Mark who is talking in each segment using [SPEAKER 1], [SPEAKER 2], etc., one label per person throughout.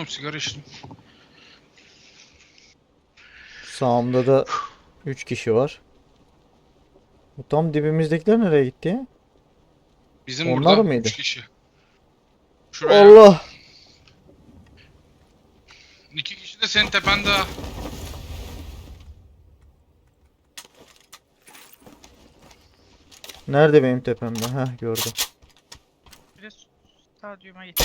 [SPEAKER 1] sigara içtim.
[SPEAKER 2] Sağımda da 3 kişi var. Bu tam dibimizdekiler nereye gitti ya?
[SPEAKER 1] Bizim
[SPEAKER 2] Onlar
[SPEAKER 1] burada
[SPEAKER 2] mıydı?
[SPEAKER 1] 3 kişi. Şuraya
[SPEAKER 2] Allah!
[SPEAKER 1] 2 kişi de senin tepende ha.
[SPEAKER 2] Nerede benim tepemde? Heh, gördüm.
[SPEAKER 3] Biri stadyuma gitti.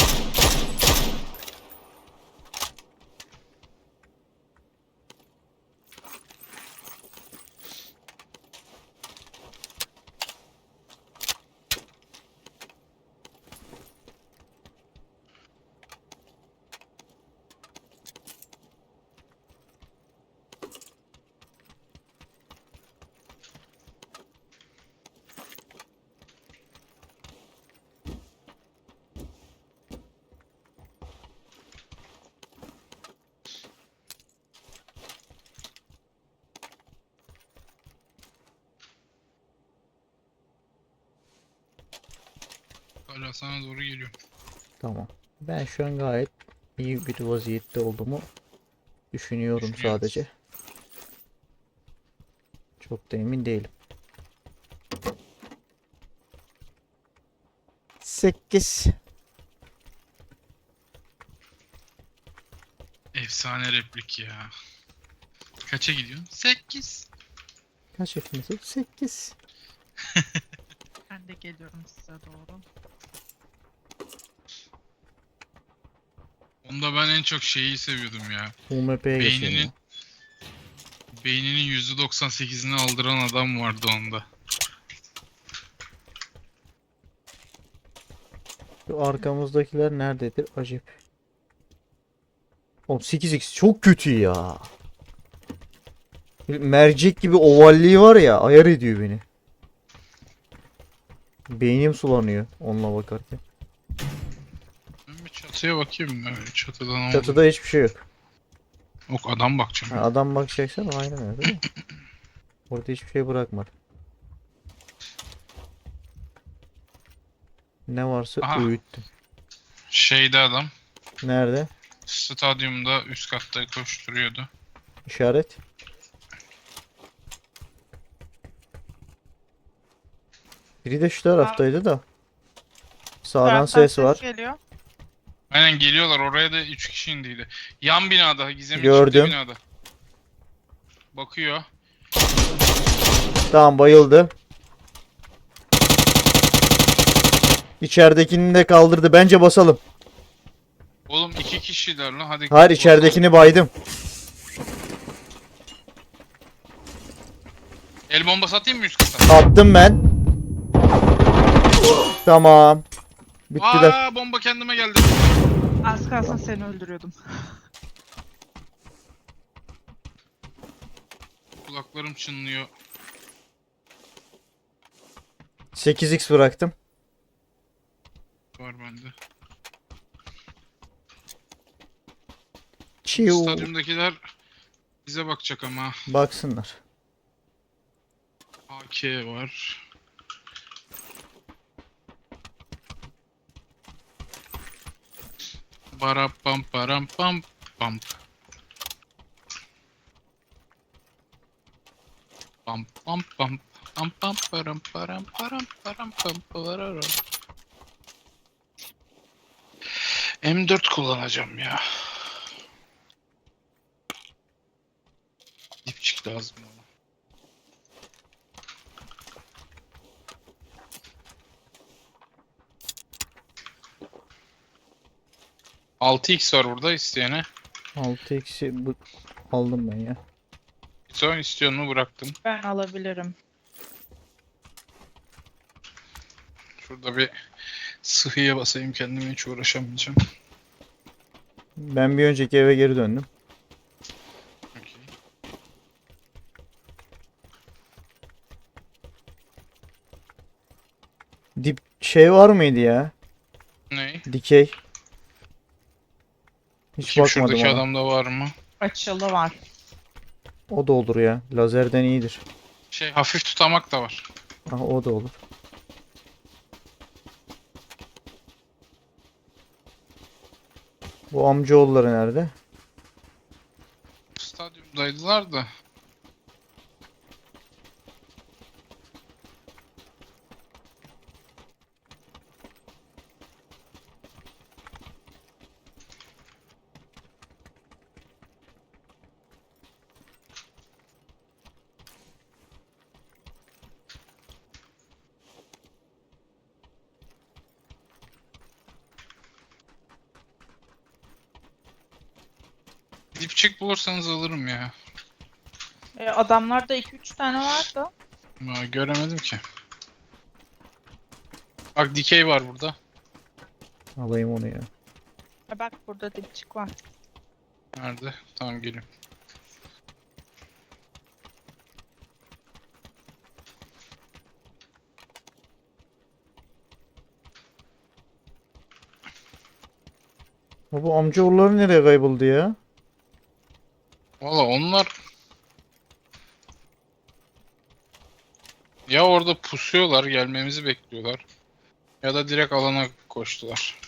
[SPEAKER 1] Hala sana doğru geliyorum.
[SPEAKER 2] Tamam. Ben şu an gayet iyi bir vaziyette olduğumu düşünüyorum
[SPEAKER 1] Düşünüyorum.
[SPEAKER 2] sadece. Çok da emin değilim. 8.
[SPEAKER 1] Efsane replik ya. Kaça gidiyorsun? 8.
[SPEAKER 2] Kaç yaşındasın? 8.
[SPEAKER 3] Ben de geliyorum size doğru.
[SPEAKER 1] Onda ben en çok şeyi seviyordum ya.
[SPEAKER 2] UMP'ye geçelim
[SPEAKER 1] Beyninin
[SPEAKER 2] ya.
[SPEAKER 1] beyninin %98'ini aldıran adam vardı onda.
[SPEAKER 2] Şu arkamızdakiler nerededir? Acip. Oğlum 8x çok kötü ya. Mercek gibi ovalliği var ya, ayar ediyor beni. Beynim sulanıyor onunla bakarken.
[SPEAKER 1] Ben bir çatıya bakayım. Çatıda ne oldu?
[SPEAKER 2] Çatıda hiçbir şey yok.
[SPEAKER 1] Yok, adam bakacağım.
[SPEAKER 2] Ha, adam bakacaksan aynen öyle değil mi? Orada hiçbir şey bırakmadı. Ne varsa
[SPEAKER 1] Aha.
[SPEAKER 2] öğüttüm.
[SPEAKER 1] Şeyde adam.
[SPEAKER 2] Nerede?
[SPEAKER 1] Stadyumda üst katta koşturuyordu.
[SPEAKER 2] İşaret. Biri de şu taraftaydı da. Sağdan
[SPEAKER 3] Taraftan
[SPEAKER 2] ses var.
[SPEAKER 3] geliyor.
[SPEAKER 1] Aynen, geliyorlar. Oraya da 3 kişi indiydi. Yan binada. Gizem'in çıktığı
[SPEAKER 2] Gördüm.
[SPEAKER 1] binada. Bakıyor.
[SPEAKER 2] Tamam, bayıldı. İçeridekini de kaldırdı. Bence basalım.
[SPEAKER 1] Oğlum 2 kişiler lan. Hadi.
[SPEAKER 2] Hayır,
[SPEAKER 1] basalım.
[SPEAKER 2] içeridekini baydım.
[SPEAKER 1] El bombası atayım mı üst kata?
[SPEAKER 2] Attım ben. Tamam. Bittiler.
[SPEAKER 1] Aa, bomba kendime geldi.
[SPEAKER 3] Az kalsın seni öldürüyordum.
[SPEAKER 1] Kulaklarım çınlıyor.
[SPEAKER 2] 8x bıraktım.
[SPEAKER 1] Var bende.
[SPEAKER 2] Çiu.
[SPEAKER 1] Stadyumdakiler bize bakacak ama.
[SPEAKER 2] Baksınlar.
[SPEAKER 1] AK var. Bara pam param pam pam. Pam pam pam pam pam param param param param pam pararam. M4 kullanacağım ya. Dipçik lazım bana. Altı x var burada isteyene.
[SPEAKER 2] 6x'i aldım ben ya.
[SPEAKER 1] Son istiyor mu, bıraktım.
[SPEAKER 3] Ben alabilirim.
[SPEAKER 1] Şurada bir sıhhiye basayım, kendime hiç uğraşamayacağım.
[SPEAKER 2] Ben bir önceki eve geri döndüm.
[SPEAKER 1] Okey.
[SPEAKER 2] Dip şey var mıydı ya?
[SPEAKER 1] Ne?
[SPEAKER 2] Dikey. Hiç
[SPEAKER 1] Kim
[SPEAKER 2] bakmadım
[SPEAKER 1] şuradaki
[SPEAKER 2] ona.
[SPEAKER 1] adamda var mı?
[SPEAKER 3] Açılı var.
[SPEAKER 2] O da olur ya. Lazerden iyidir.
[SPEAKER 1] Şey, hafif tutamak da var.
[SPEAKER 2] Aha, o da olur. Bu amcaoğulları nerede?
[SPEAKER 1] Stadyumdaydılar da. Dipçik bulursanız alırım ya.
[SPEAKER 3] Adamlarda 2-3 tane vardı.
[SPEAKER 1] Ama göremedim ki. Bak dikey var burada.
[SPEAKER 2] Alayım onu ya.
[SPEAKER 3] Bak burada dipçik var.
[SPEAKER 1] Nerede? Tamam gelin.
[SPEAKER 2] Bu amcaoğulları nereye kayboldu ya?
[SPEAKER 1] Valla onlar ya orada pusuyorlar, gelmemizi bekliyorlar. Ya da direkt alana koştular.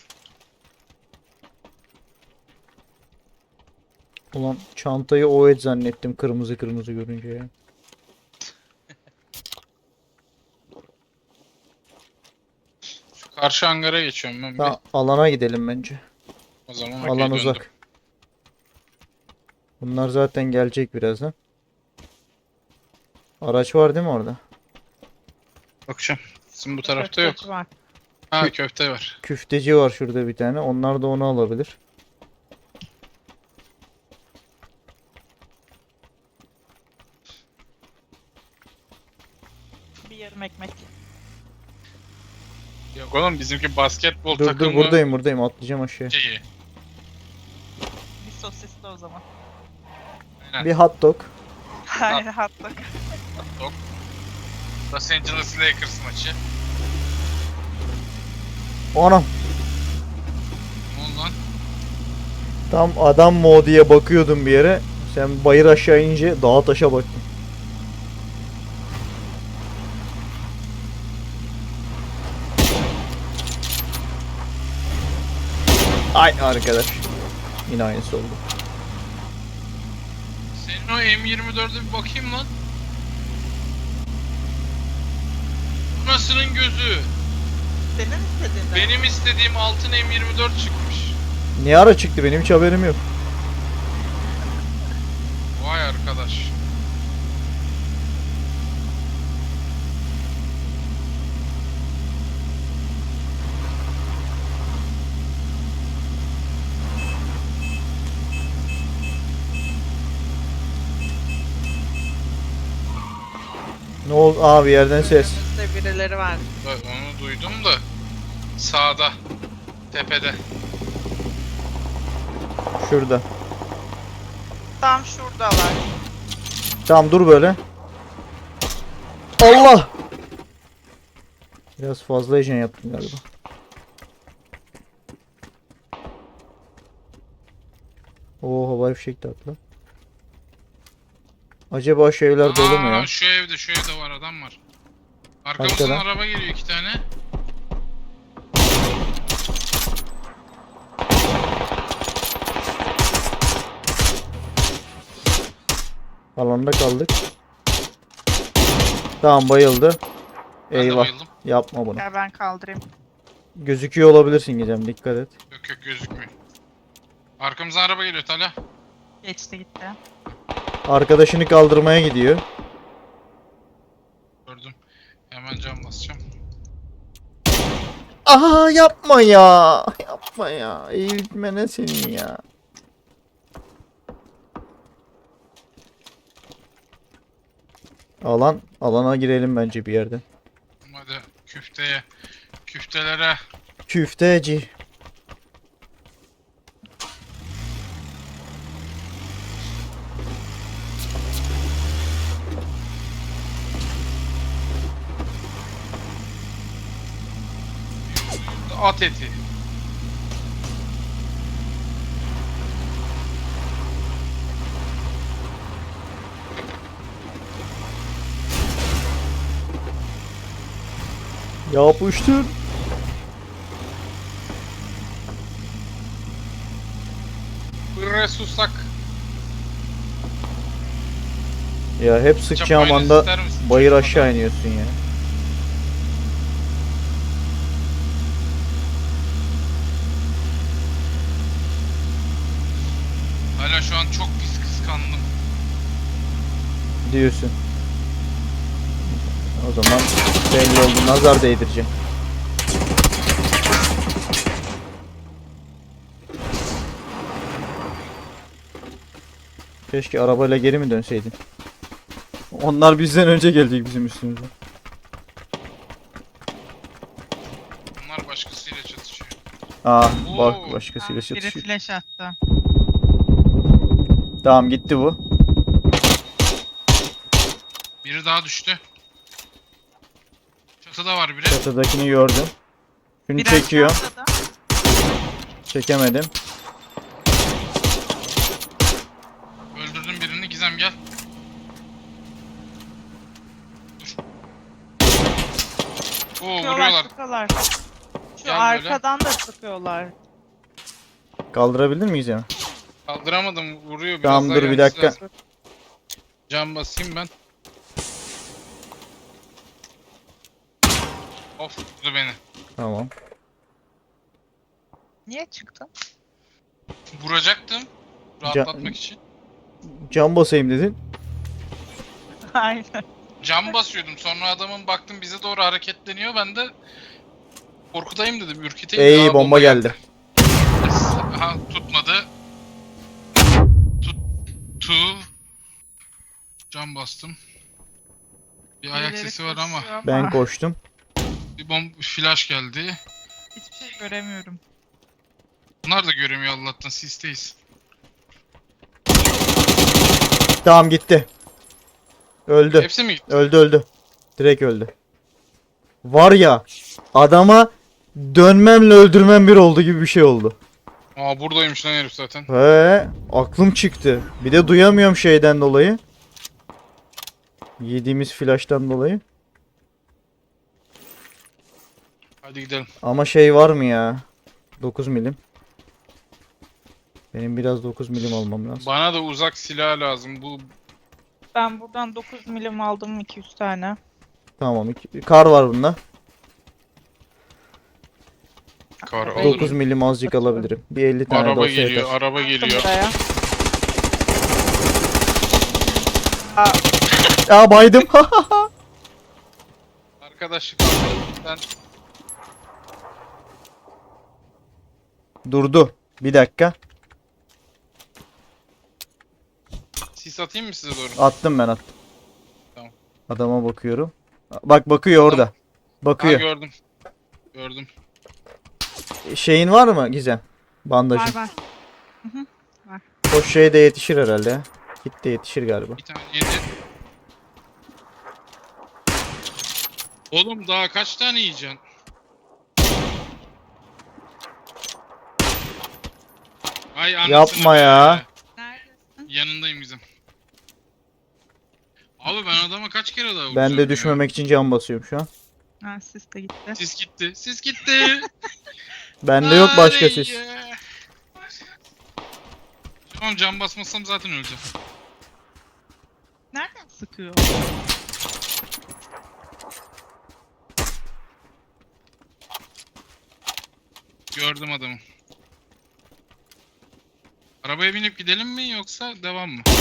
[SPEAKER 2] Ulan çantayı o et zannettim kırmızı kırmızı görünce ya.
[SPEAKER 1] Şu karşı hangara geçiyorum ben bir.
[SPEAKER 2] Alana gidelim bence.
[SPEAKER 1] O zaman
[SPEAKER 2] Alan
[SPEAKER 1] okey, döndüm.
[SPEAKER 2] uzak. Bunlar zaten gelecek birazdan. Araç var değil mi orada?
[SPEAKER 1] Bakacağım. Sizin bu tarafta yok.
[SPEAKER 3] Köfteci var.
[SPEAKER 1] Ha köfte var.
[SPEAKER 2] Küfteci var şurada bir tane. Onlar da onu alabilir.
[SPEAKER 3] Bir yarım ekmek.
[SPEAKER 1] Yok oğlum bizimki basketbol
[SPEAKER 2] Dur
[SPEAKER 1] takımı
[SPEAKER 2] buradayım atlayacağım aşağıya.
[SPEAKER 1] şeyi.
[SPEAKER 3] Bir sosisli o zaman.
[SPEAKER 1] Aynen.
[SPEAKER 2] Bir hot dog.
[SPEAKER 3] Hayır hatta.
[SPEAKER 1] Top. Los Angeles Lakers maçı.
[SPEAKER 2] Anam.
[SPEAKER 1] Ne oldu lan?
[SPEAKER 2] Tam adam mı o diye bakıyordum bir yere. Sen bayır aşağı inince dağa taşa baktın. Ay arkadaş. Yine aynısı oldu.
[SPEAKER 1] Senin o M24'e bir bakayım lan. Anasının gözü.
[SPEAKER 3] Senin istediğin de.
[SPEAKER 1] Benim istediğim altın M24 çıkmış.
[SPEAKER 2] Ne ara çıktı benim hiç haberim yok.
[SPEAKER 1] Vay arkadaş.
[SPEAKER 2] Ne oldu? Aa bir yerden ses.
[SPEAKER 3] Önümüzde birileri var.
[SPEAKER 1] Bak onu duydum da sağda tepede.
[SPEAKER 2] Şurada.
[SPEAKER 3] Tam şuradalar.
[SPEAKER 2] Tamam dur böyle. Allah! Biraz fazla heyecan yaptım galiba. Oo havai fişek de atla. Acaba şu evler dolu mu ya?
[SPEAKER 1] Şu evde var adam var. Arkamızdan
[SPEAKER 2] Arkadan.
[SPEAKER 1] araba geliyor 2 tane.
[SPEAKER 2] Alanda kaldık. Tamam bayıldı.
[SPEAKER 1] Ben de
[SPEAKER 2] Eyvah.
[SPEAKER 1] bayıldım.
[SPEAKER 2] Yapma bunu.
[SPEAKER 3] Gel ben kaldırayım.
[SPEAKER 2] Gözüküyor olabilirsin Gizem dikkat et.
[SPEAKER 1] Yok gözükmüyor. Arkamızdan araba geliyor Talha.
[SPEAKER 3] Geçti gitti.
[SPEAKER 2] Arkadaşını kaldırmaya gidiyor.
[SPEAKER 1] Gördüm. Hemen cam basacağım.
[SPEAKER 2] Aha yapma ya. Yapma ya. Eğitmene senin ya. Alana girelim bence bir yerden.
[SPEAKER 1] Hadi küfteye. Küftelere.
[SPEAKER 2] Küfteci.
[SPEAKER 1] At eti.
[SPEAKER 2] Yapıştır.
[SPEAKER 1] susak.
[SPEAKER 2] Ya hep sıkacağım
[SPEAKER 1] Çapayla
[SPEAKER 2] anda
[SPEAKER 1] ister misin?
[SPEAKER 2] bayır
[SPEAKER 1] Çocuk
[SPEAKER 2] aşağı
[SPEAKER 1] adam.
[SPEAKER 2] iniyorsun ya.
[SPEAKER 1] Hala şu an çok pis kıskandım.
[SPEAKER 2] Diyorsun. O zaman belli oldu. Nazar değdireceğim. Keşke arabayla geri mi dönseydin? Onlar bizden önce gelecek bizim üstümüze.
[SPEAKER 1] Bunlar başkasıyla çatışıyor.
[SPEAKER 2] Bak
[SPEAKER 1] Oo.
[SPEAKER 2] başkasıyla
[SPEAKER 3] Biri
[SPEAKER 2] çatışıyor.
[SPEAKER 3] flash attı.
[SPEAKER 2] Tamam gitti bu.
[SPEAKER 1] Biri daha düştü. Çatıda var biri.
[SPEAKER 2] Çatıdakini gördüm. Şunu
[SPEAKER 3] Bir
[SPEAKER 2] çekiyor.
[SPEAKER 3] aşağıda da.
[SPEAKER 2] Çekemedim.
[SPEAKER 1] Öldürdüm birini. Gizem gel. Dur. Oo vuruyorlar.
[SPEAKER 3] Sıkıyorlar. Şu
[SPEAKER 1] Gel böyle.
[SPEAKER 3] arkadan da sıkıyorlar.
[SPEAKER 2] Kaldırabilir miyiz ya?
[SPEAKER 1] Kaldıramadım. Vuruyor. Biraz
[SPEAKER 2] Tamam,
[SPEAKER 1] daha
[SPEAKER 2] dur bir
[SPEAKER 1] gelmesi
[SPEAKER 2] dakika.
[SPEAKER 1] lazım. Can basayım ben. Of vurdu beni.
[SPEAKER 2] Tamam.
[SPEAKER 3] Niye çıktın?
[SPEAKER 1] Vuracaktım. Rahatlatmak için.
[SPEAKER 2] Cam basayım dedin.
[SPEAKER 3] Aynen.
[SPEAKER 1] Cam basıyordum. Sonra adamın baktım bize doğru hareketleniyor. Ben de korkutayım dedim. Ürküteyim.
[SPEAKER 2] Ey
[SPEAKER 1] Aa,
[SPEAKER 2] bomba geldi.
[SPEAKER 1] Aha tutmadı. Tuttu. Cam bastım. Bir ayak
[SPEAKER 3] Birileri
[SPEAKER 1] sesi var ama.
[SPEAKER 3] koşuyor
[SPEAKER 2] Ben koştum.
[SPEAKER 1] Bir flash geldi.
[SPEAKER 3] Hiçbir şey göremiyorum.
[SPEAKER 1] Bunlar da göremiyor Allah'tan. Sisteyiz.
[SPEAKER 2] Tamam gitti. Öldü.
[SPEAKER 1] Hepsi mi gitti?
[SPEAKER 2] Öldü. Direkt öldü. Var ya adama dönmemle öldürmem bir oldu gibi bir şey oldu.
[SPEAKER 1] Aa buradaymış lan herif zaten.
[SPEAKER 2] He, aklım çıktı. Bir de duyamıyorum şeyden dolayı. Yediğimiz flash'tan dolayı.
[SPEAKER 1] Hadi gidelim.
[SPEAKER 2] Ama şey var mı ya? 9 milim. Benim biraz 9 milim almam lazım.
[SPEAKER 1] Bana da uzak silah lazım. Bu
[SPEAKER 3] Ben buradan 9 milim aldım 200 tane.
[SPEAKER 2] Tamam. Kar var bunda.
[SPEAKER 1] kar
[SPEAKER 3] Araba
[SPEAKER 1] alırım.
[SPEAKER 2] 9 milim azıcık alabilirim. Bir 50 tane de
[SPEAKER 1] Araba
[SPEAKER 2] olsa
[SPEAKER 1] geliyor,
[SPEAKER 2] yeter.
[SPEAKER 1] araba geliyor.
[SPEAKER 3] Buraya.
[SPEAKER 2] Aa baydım.
[SPEAKER 1] Arkadaşlık ben
[SPEAKER 2] Durdu. Bir dakika.
[SPEAKER 1] sis atayım mı size doğru?
[SPEAKER 2] Attım ben attım.
[SPEAKER 1] Tamam.
[SPEAKER 2] Adama bakıyorum. Bak bakıyor orada.
[SPEAKER 1] Ha,
[SPEAKER 2] Bakıyor.
[SPEAKER 1] gördüm. Gördüm.
[SPEAKER 2] Şeyin var mı Gizem? Bandajın.
[SPEAKER 3] Var.
[SPEAKER 2] O şey de yetişir herhalde ya. Kit de yetişir galiba.
[SPEAKER 1] Bir tane yedi. Oğlum daha kaç tane yiyeceksin? Ay anasını
[SPEAKER 2] Yapma
[SPEAKER 1] be.
[SPEAKER 2] ya.
[SPEAKER 3] Neredesin?
[SPEAKER 1] Yanındayım bizim. Abi ben adama kaç kere daha vuracağım
[SPEAKER 2] Ben de
[SPEAKER 1] ya?
[SPEAKER 2] düşmemek için cam basıyorum şu an.
[SPEAKER 3] Ha sis de gitti.
[SPEAKER 1] Sis gitti. Sis gitti.
[SPEAKER 2] Bende yok başka
[SPEAKER 1] Ay
[SPEAKER 2] sis.
[SPEAKER 1] ya. Tamam cam basmasam zaten öleceğim.
[SPEAKER 3] Nereden sıkıyor?
[SPEAKER 1] Gördüm adamı. Arabaya binip gidelim mi yoksa devam mı?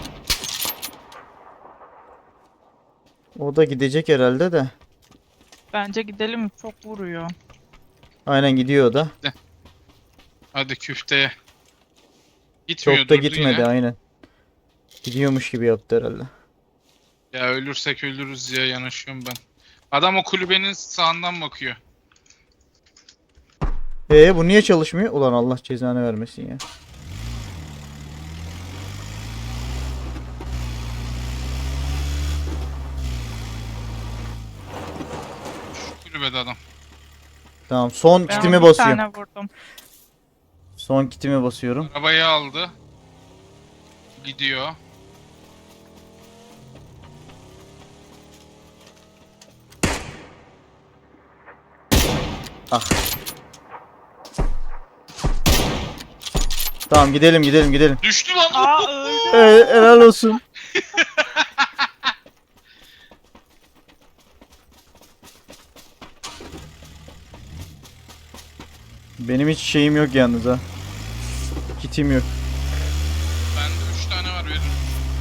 [SPEAKER 2] O da gidecek herhalde de.
[SPEAKER 3] Bence gidelim, çok vuruyor.
[SPEAKER 2] Aynen gidiyor o da.
[SPEAKER 1] Hadi küfteye. Gitmiyor,
[SPEAKER 2] Çok da
[SPEAKER 1] durdu
[SPEAKER 2] gitmedi
[SPEAKER 1] yine.
[SPEAKER 2] aynen. Gidiyormuş gibi yaptı herhalde.
[SPEAKER 1] Ya ölürsek ölürüz ya, yanaşıyorum ben. Adam o kulübenin sağından bakıyor.
[SPEAKER 2] Bu niye çalışmıyor? Ulan Allah cezanı vermesin ya.
[SPEAKER 1] Şu kulübede adam.
[SPEAKER 2] Tamam son
[SPEAKER 3] Ben
[SPEAKER 2] kitimi
[SPEAKER 3] ona bir
[SPEAKER 2] basıyorum.
[SPEAKER 3] tane vurdum.
[SPEAKER 2] Son kitimi basıyorum.
[SPEAKER 1] Arabayı aldı. Gidiyor.
[SPEAKER 2] Ah. Tamam gidelim gidelim gidelim.
[SPEAKER 1] Düştü lan.
[SPEAKER 3] Aa öldü.
[SPEAKER 2] Helal olsun. Benim hiç şeyim yok yalnız ha. Kitim yok.
[SPEAKER 1] Bende 3 tane var, veririm.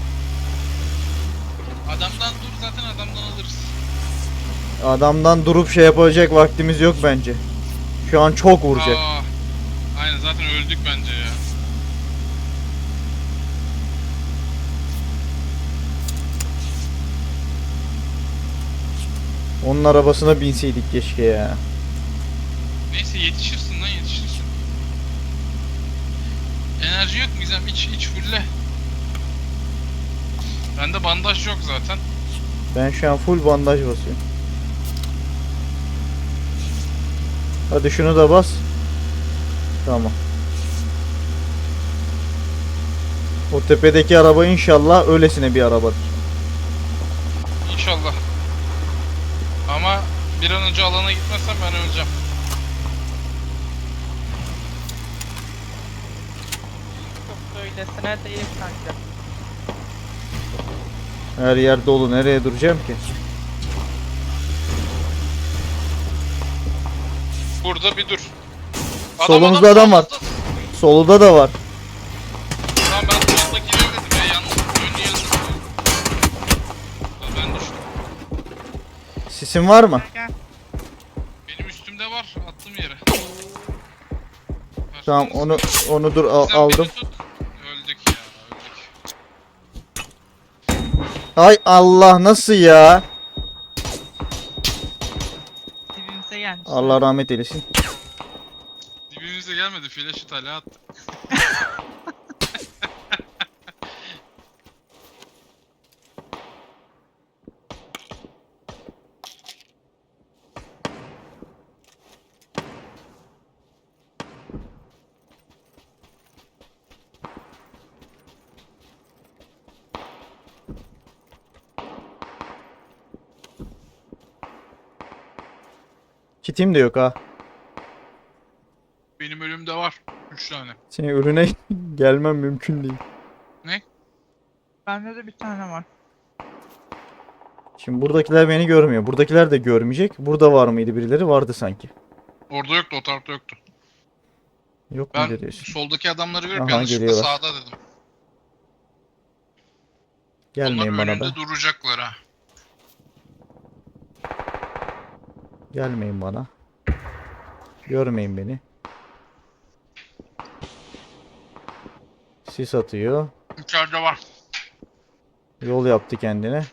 [SPEAKER 1] Adamdan dur, zaten adamdan alırız.
[SPEAKER 2] Adamdan durup şey yapacak vaktimiz yok bence. Şu an çok vuracak.
[SPEAKER 1] Aa, aynen, zaten öldük bence ya.
[SPEAKER 2] Onun arabasına binseydik keşke ya.
[SPEAKER 1] Neyse, yetişirsin lan, yetişirsin. Enerji yok mu Gizem? İç fulle. Bende bandaj yok zaten.
[SPEAKER 2] Ben şu an full bandaj basıyorum. Hadi şunu da bas. Tamam. O tepedeki araba inşallah öylesine bir arabadır.
[SPEAKER 1] İnşallah. Ama bir an önce alana gitmezsem ben öleceğim.
[SPEAKER 3] Çok böylesine değil kanka.
[SPEAKER 2] Her yer dolu. Nereye duracağım ki?
[SPEAKER 1] Burada bir dur.
[SPEAKER 2] Solumuzda adam var.
[SPEAKER 1] solumuzda.
[SPEAKER 2] Soluda da var.
[SPEAKER 1] Tamam, ben soldakileri dedim ya, yalnız önü yazdım. Ben düştüm.
[SPEAKER 2] Sisin var mı?
[SPEAKER 3] Gel.
[SPEAKER 1] Benim üstümde var, attım yere.
[SPEAKER 2] Tamam onu dur
[SPEAKER 1] Sen
[SPEAKER 2] aldım.
[SPEAKER 1] beni tut. Öldük ya, öldük.
[SPEAKER 2] Ay Allah nasıl ya?
[SPEAKER 3] Dibimize gelmiş.
[SPEAKER 2] Allah rahmet eylesin.
[SPEAKER 1] Dibimize gelmedi, flash'ı tala attı.
[SPEAKER 2] Kitim de yok ha.
[SPEAKER 1] Benim ölümde var 3 tane.
[SPEAKER 2] Senin önüne gelmem mümkün değil.
[SPEAKER 3] Bende de bir tane var.
[SPEAKER 2] Şimdi buradakiler beni görmüyor. Buradakiler de görmeyecek. Burada var mıydı birileri? Vardı sanki.
[SPEAKER 1] Orada yoktu, o tarafta yoktu.
[SPEAKER 2] Yok
[SPEAKER 1] Ben
[SPEAKER 2] mu diyorsun?
[SPEAKER 1] soldaki adamları görüp
[SPEAKER 2] Aha,
[SPEAKER 1] yanlışlıkla
[SPEAKER 2] geliyorlar.
[SPEAKER 1] sağda dedim.
[SPEAKER 2] Gelmeyin
[SPEAKER 1] Onlar
[SPEAKER 2] bana be.
[SPEAKER 1] önünde duracaklar ha.
[SPEAKER 2] Gelmeyin bana. Görmeyin beni. Sis atıyor.
[SPEAKER 1] İçeride var.
[SPEAKER 2] Yol yaptı kendine.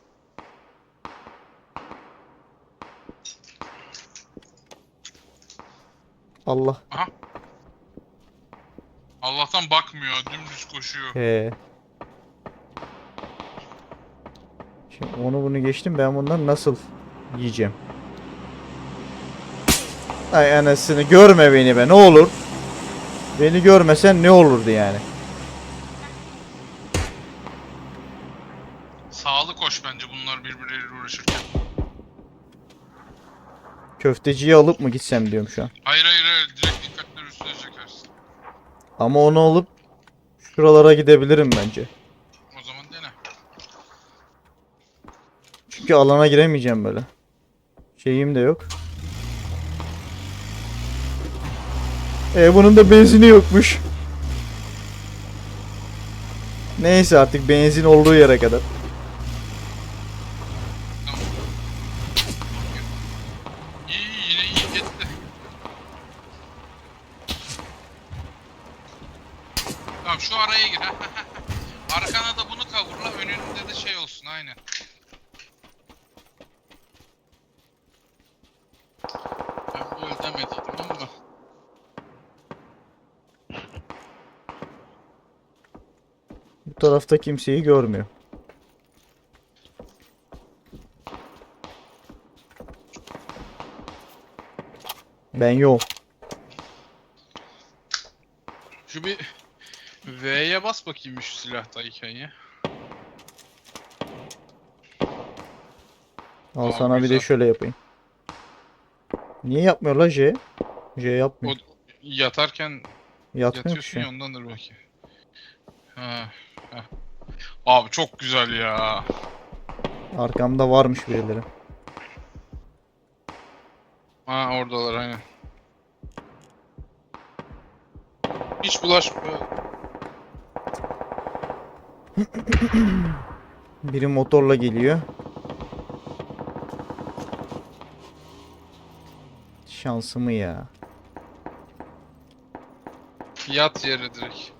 [SPEAKER 2] Allah.
[SPEAKER 1] Allah'tan bakmıyor, dümdüz koşuyor.
[SPEAKER 2] He. Şimdi onu bunu geçtim. Ben bundan nasıl yiyeceğim? Ay anasını görme beni be ne olur. Beni görmesen ne olurdu yani.
[SPEAKER 1] Sağlı koş bence bunlar birbirleriyle uğraşırken.
[SPEAKER 2] Köfteciyi alıp mı gitsem diyorum şu an.
[SPEAKER 1] Hayır hayır hayır, direkt dikkatleri üstüne çekersin.
[SPEAKER 2] Ama onu alıp şuralara gidebilirim bence.
[SPEAKER 1] O zaman dene.
[SPEAKER 2] Çünkü alana giremeyeceğim böyle. Şeyim de yok. Bunun da benzini yokmuş. Neyse artık benzin olduğu yere kadar.
[SPEAKER 1] Tamam. İyi, yine iyi gitti. Tamam, şu araya gir. Arkana da bunu kavurla, önünde de şey olsun, aynen. Ben böyle demediydim ama.
[SPEAKER 2] Bu tarafta kimseyi görmüyor. Ben yok.
[SPEAKER 1] Şu bir V'ye bas bakayım şu silahtayken ya.
[SPEAKER 2] Al
[SPEAKER 1] Aa,
[SPEAKER 2] sana bir de
[SPEAKER 1] güzel.
[SPEAKER 2] şöyle yapayım. Niye yapmıyor la J? J
[SPEAKER 1] O
[SPEAKER 2] yapmıyor.
[SPEAKER 1] yatarken
[SPEAKER 2] Yatmıyor ki
[SPEAKER 1] yatıyorsun
[SPEAKER 2] şu
[SPEAKER 1] ya,
[SPEAKER 2] an.
[SPEAKER 1] ondandır belki. Ha. Ha. Abi çok güzel ya.
[SPEAKER 2] Arkamda varmış birileri.
[SPEAKER 1] Ha oradalar aynen. Hiç bulaşma.
[SPEAKER 2] Biri motorla geliyor. Şansımı ya.
[SPEAKER 1] Yat yere direkt.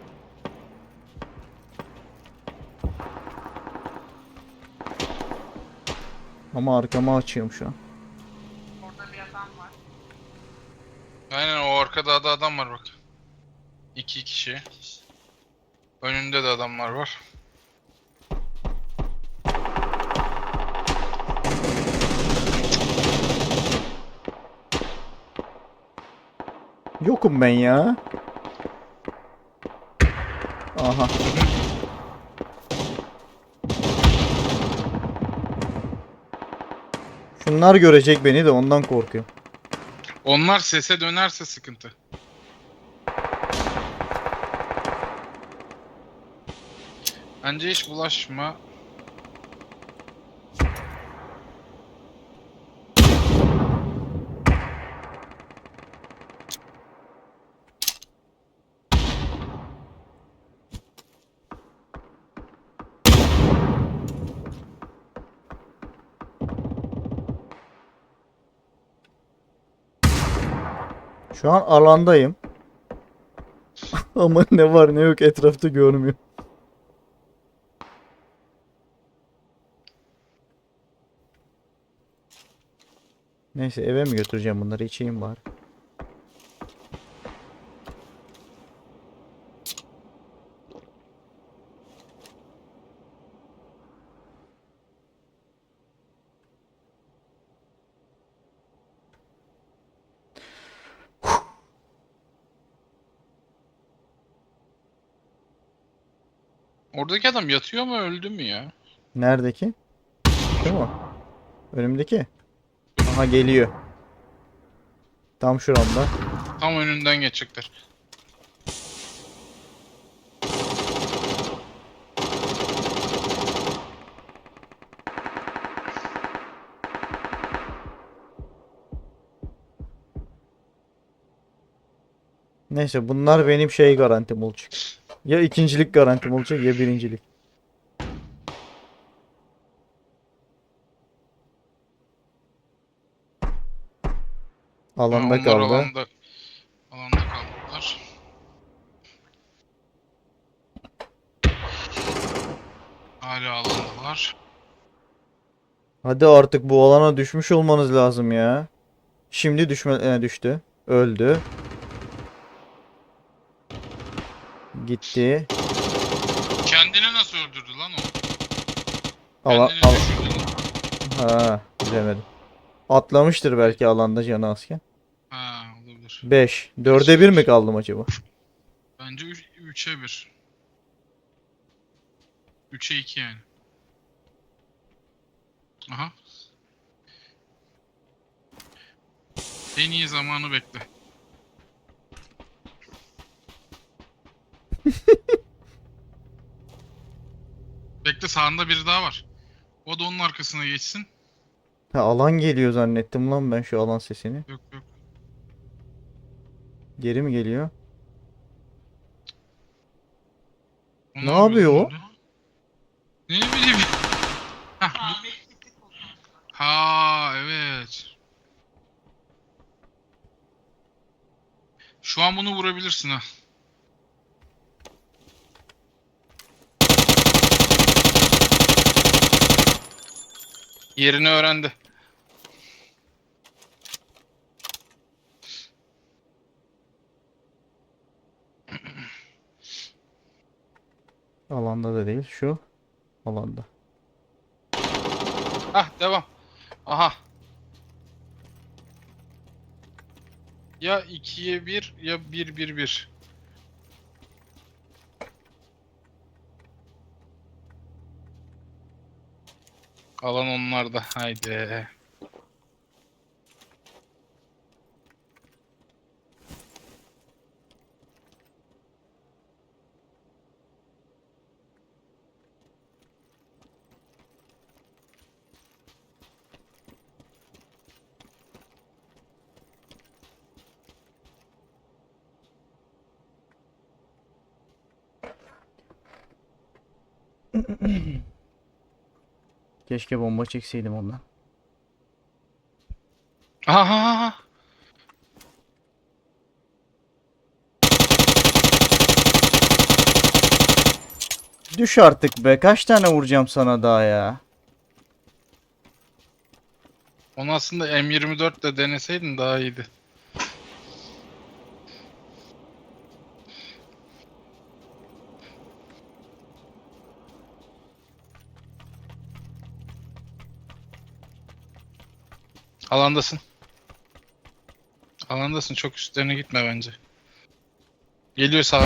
[SPEAKER 2] Ama arkama açıyorum şu an.
[SPEAKER 3] Orada bir adam var.
[SPEAKER 1] Aynen o arkada da adam var bak. İki kişi. Önünde de adamlar var.
[SPEAKER 2] Yokum ben ya. Aha. Şunlar görecek beni de ondan korkuyorum.
[SPEAKER 1] Onlar sese dönerse sıkıntı. Bence hiç bulaşma.
[SPEAKER 2] Şu an alandayım. Ama ne var ne yok etrafta görmüyorum. Neyse eve mi götüreceğim bunları içeyim bari.
[SPEAKER 1] Oradaki adam yatıyor mu öldü mü ya?
[SPEAKER 2] Neredeki? Şu mu? Önümdeki. Aha geliyor. Tam şuramda.
[SPEAKER 1] Tam önünden geçecekler.
[SPEAKER 2] Neyse bunlar benim şey garantim olacak. Ya ikincilik garantim olacak ya birincilik.
[SPEAKER 1] Ha,
[SPEAKER 2] Alanda
[SPEAKER 1] onlar
[SPEAKER 2] kaldı.
[SPEAKER 1] alanda kaldılar. Hala alandalar.
[SPEAKER 2] Hadi artık bu alana düşmüş olmanız lazım ya. Şimdi düştü. Öldü. Gitti.
[SPEAKER 1] Kendini nasıl öldürdü lan o?
[SPEAKER 2] Ala,
[SPEAKER 1] Kendini
[SPEAKER 2] al
[SPEAKER 1] düşürdü lan.
[SPEAKER 2] ha, bilemedim. Atlamıştır belki alanda canı azken.
[SPEAKER 1] Ha olabilir.
[SPEAKER 2] 5.
[SPEAKER 1] Gerçi
[SPEAKER 2] 4'e 1 mi kaldım acaba?
[SPEAKER 1] bence 3'e 1. 3'e 2 yani. Aha. En iyi zamanı bekle. Bekle sağında biri daha var. O da onun arkasına geçsin.
[SPEAKER 2] Ha, alan geliyor zannettim lan ben şu alan sesini.
[SPEAKER 1] Yok yok.
[SPEAKER 2] Geri mi geliyor?
[SPEAKER 1] O
[SPEAKER 2] Ne
[SPEAKER 1] ne yapıyor
[SPEAKER 2] yapıyor
[SPEAKER 1] lan
[SPEAKER 2] o?
[SPEAKER 1] öyle? Ne bileyim. Hah,
[SPEAKER 3] Ahmet gitti kullandı.
[SPEAKER 1] ha evet. Şu an bunu vurabilirsin ha. Yerini öğrendi.
[SPEAKER 2] Alanda da değil şu. Alanda.
[SPEAKER 1] Hah devam. Aha. Ya 2'ye 1 ya 1-1-1. Alan onlarda. Haydi.
[SPEAKER 2] Keşke bomba çekseydim ondan.
[SPEAKER 1] Aha.
[SPEAKER 2] Düş artık be. Kaç tane vuracağım sana daha ya?
[SPEAKER 1] Onu aslında M24 de deneseydin daha iyiydi. Alandasın. Alandasın. Çok üstlerine gitme bence. Geliyor sağa.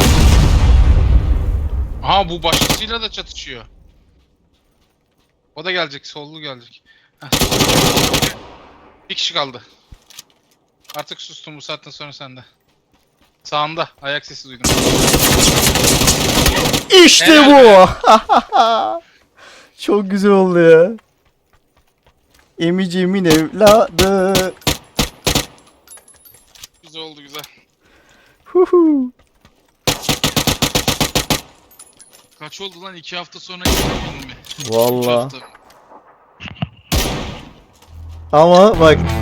[SPEAKER 1] Aha bu başkasıyla da çatışıyor. O da gelecek. Sollu gelecek. Heh. Bir kişi kaldı. Artık sustum, bu saatten sonra sende. Sağında. Ayak sesi duydum.
[SPEAKER 2] İşte
[SPEAKER 1] Helal
[SPEAKER 2] bu. Çok güzel oldu ya. Emiciğimin evladı.
[SPEAKER 1] Güzel oldu, güzel.
[SPEAKER 2] Huhu.
[SPEAKER 1] Kaç oldu lan? 2 hafta sonra gitmedin mi? 3
[SPEAKER 2] Vallahi.
[SPEAKER 1] hafta.
[SPEAKER 2] Ama bak